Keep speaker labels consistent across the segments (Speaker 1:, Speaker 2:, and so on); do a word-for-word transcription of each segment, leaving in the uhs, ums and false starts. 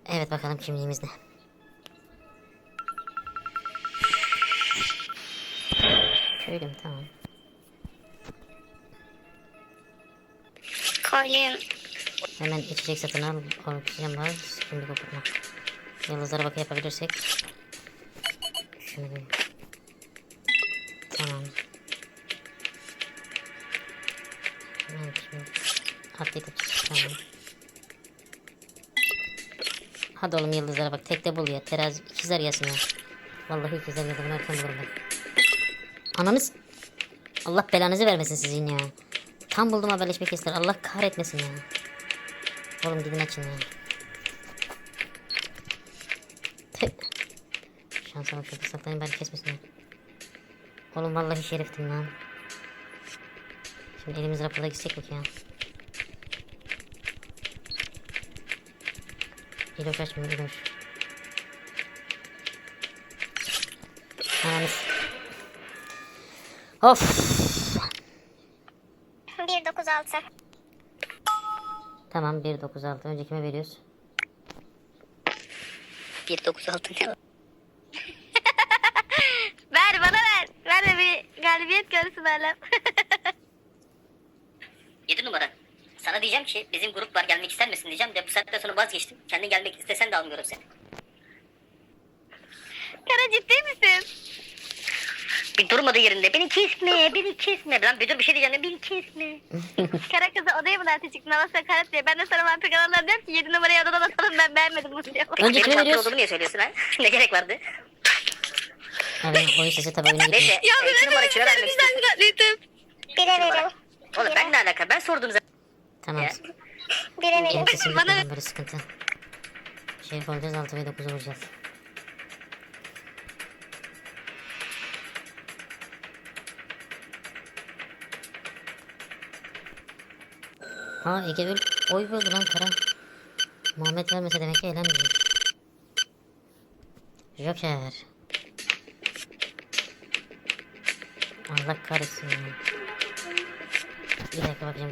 Speaker 1: Evet bakalım kimliğimiz ne? Köylüm tamam.
Speaker 2: Koyayım.
Speaker 1: Hemen içecek satın al. Oksijen var. Şimdi kokutma. Yıldızlara bakı yapabilirsek. Şunu bir. Tamam. Hemen şimdi. Atlayıp tamam. Hadi oğlum yıldızlara bak. Tekte bul ya. Terazi ikizler gelsin ya. Vallahi ikizler geldi. Bunu erken bulurum ben. Ananız. Allah belanızı vermesin sizin ya. Tam buldum haberleşme kestiler. Allah kahretmesin ya. Oğlum gidin açın ya. Tüh. Şansa bak şurada saklayın bari kesmesin ya. Oğlum vallahi şeriftim lan. Şimdi elimiz raporda gidecek mi ki ya? İloş açmıyor İloş. Ananız. Of.
Speaker 2: bir dokuz altı.
Speaker 1: Tamam bir dokuz altı. Önce kime veriyoruz?
Speaker 2: bir dokuz altı ne? Ver bana ver. Ver de bir galibiyet görsün Alem.
Speaker 3: yedi numara. Sana diyeceğim ki bizim grup var gelmek ister misin diyeceğim de bu saatten sonra vazgeçtim. Kendin gelmek istesen de almıyorum seni.
Speaker 2: Kara ciddi misin?
Speaker 3: Bir durmadı yerinde. Beni kesme, beni kesme. Lan bir dur bir şey diyeceğim. Beni kesme.
Speaker 2: Kara kızı odaya mı derse çıktın? Hava sakarat diye. Ben de sana vampir kanallar diyorum ki yedi numarayı odadan atalım ben beğenmedim bunu diyor.
Speaker 1: Önce
Speaker 3: Benim
Speaker 1: kime
Speaker 3: vampir
Speaker 1: veriyoruz?
Speaker 3: olduğumu niye söylüyorsun ha? Ne gerek vardı?
Speaker 1: Evet oyun sesi tabi oyuna
Speaker 3: Neyse.
Speaker 1: gitmiyor.
Speaker 3: e, iki numara kime vermek istiyorsun?
Speaker 2: Bire verelim.
Speaker 3: Oğlum ben ne alaka? Ben sordum zaten.
Speaker 1: Tamam.
Speaker 3: Ya.
Speaker 2: Bire verelim.
Speaker 1: Benim sesim
Speaker 2: Bana
Speaker 1: gitmeden böyle sıkıntı. Şerif olacağız altı ve dokuz olacağız. Ha Ege Bül oy verdi lan Kara. Muhammed vermese demek ki eğlenmeyecek. Joker. Allah kahretsin ya. Bir dakika bakacağım.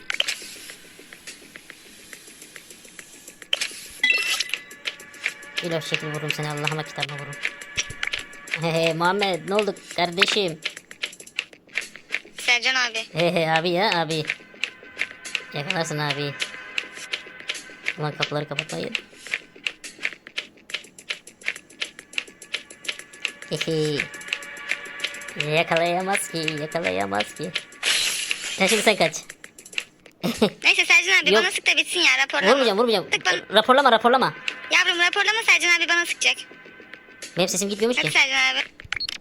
Speaker 1: İlaç şekil vururum seni Allah'ıma kitabına vururum. Hehe Muhammed ne oldu kardeşim?
Speaker 2: Sercan abi.
Speaker 1: Hehe abi ya abi. Yakalarsın abi. Ulan kapıları kapatmayın. Hehe. Yakalayamaz ki yakalayamaz ki. Ya şimdi sen kaç.
Speaker 2: Neyse Sercan abi
Speaker 1: Yok.
Speaker 2: bana sık da bitsin ya raporlama.
Speaker 1: Vurmayacağım vurmayacağım.
Speaker 2: Sık bana.
Speaker 1: Raporlama raporlama.
Speaker 2: Yavrum raporlama Sercan abi bana sıkacak.
Speaker 1: Benim sesim gitmiyormuş
Speaker 2: Hadi
Speaker 1: ki.
Speaker 2: Sercan abi.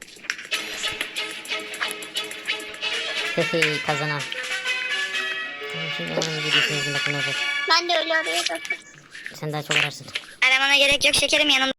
Speaker 1: Hehe kazanan. Tamam, şimdi hemen videosunu izin bakın olacak.
Speaker 2: Ben de öyle arıyorum.
Speaker 1: Sen daha çok ararsın.
Speaker 2: Aramana gerek yok şekerim yanımda.